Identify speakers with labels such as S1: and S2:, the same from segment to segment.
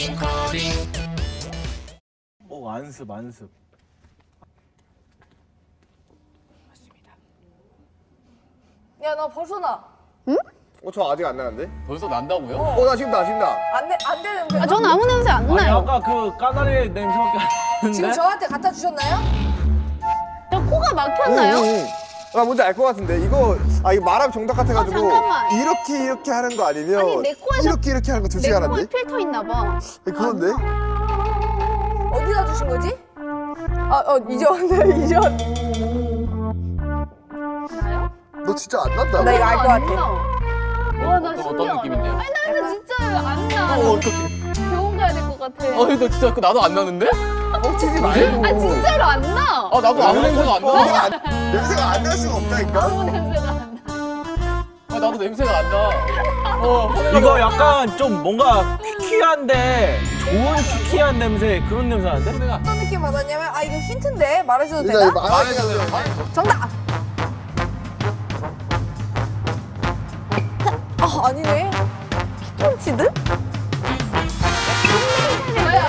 S1: 안습.
S2: 야, 나 벌써 나.
S3: 응? 저 아직 안 나는데?
S4: 벌써 난다고요?
S3: 나 지금 나.
S2: 안 되는 거.
S5: 전 아무 냄새 안
S1: 아니
S5: 나요.
S1: 아까 그 까나리 냄새밖에 안 나는데?
S2: 지금 저한테 갖다 주셨나요?
S5: 저 코가 막혔나요?
S3: 나 뭔지 알 것 같은데 이거 말하면 정답 같아가지고
S5: 잠깐만.
S3: 이렇게 하는 거 아니면
S5: 아니, 내 코에서
S3: 이렇게 하는 거 둘 중에
S5: 내
S3: 하나인데?
S5: 코에 필터 있나 봐.
S3: 그건데?
S2: 어디다 주신 거지? 이전.
S5: 나요?
S3: 너 진짜 안 난다.
S2: 나 이거 알 것 같아.
S5: 와, 나
S4: 어떤
S5: 신기하다.
S4: 느낌인데요?
S5: 아니, 나 이거 진짜 안 나.
S4: 어떡해.
S5: 병원 가야 될 것 같아.
S4: 이거 진짜 나도 안 나는데?
S3: 뻥치지 말고.
S5: 아, 진짜로 안 나.
S4: 나도 아무 냄새가 안 나.
S3: 냄새가 안 날 수가 없다니까?
S5: 아무 냄새가 안 나.
S4: 나도 냄새가 안 나.
S1: 이거 약간 좀 뭔가 퀴퀴한데 좋은 퀴퀴한 냄새 그런 냄새 나는데?
S2: 어떤 느낌 받았냐면 이거 힌트인데 말해줘도
S3: 일단
S2: 되나?
S3: 말해야 돼.
S2: 정답! 아니네. 피톤치드?
S5: 뭐야?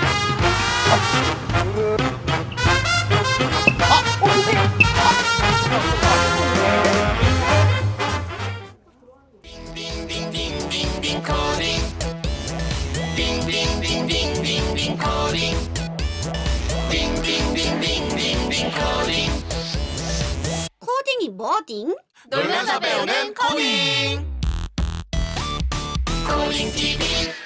S6: 코딩이 뭐딩?
S7: 놀면서 배우는 코딩. 코딩 TV.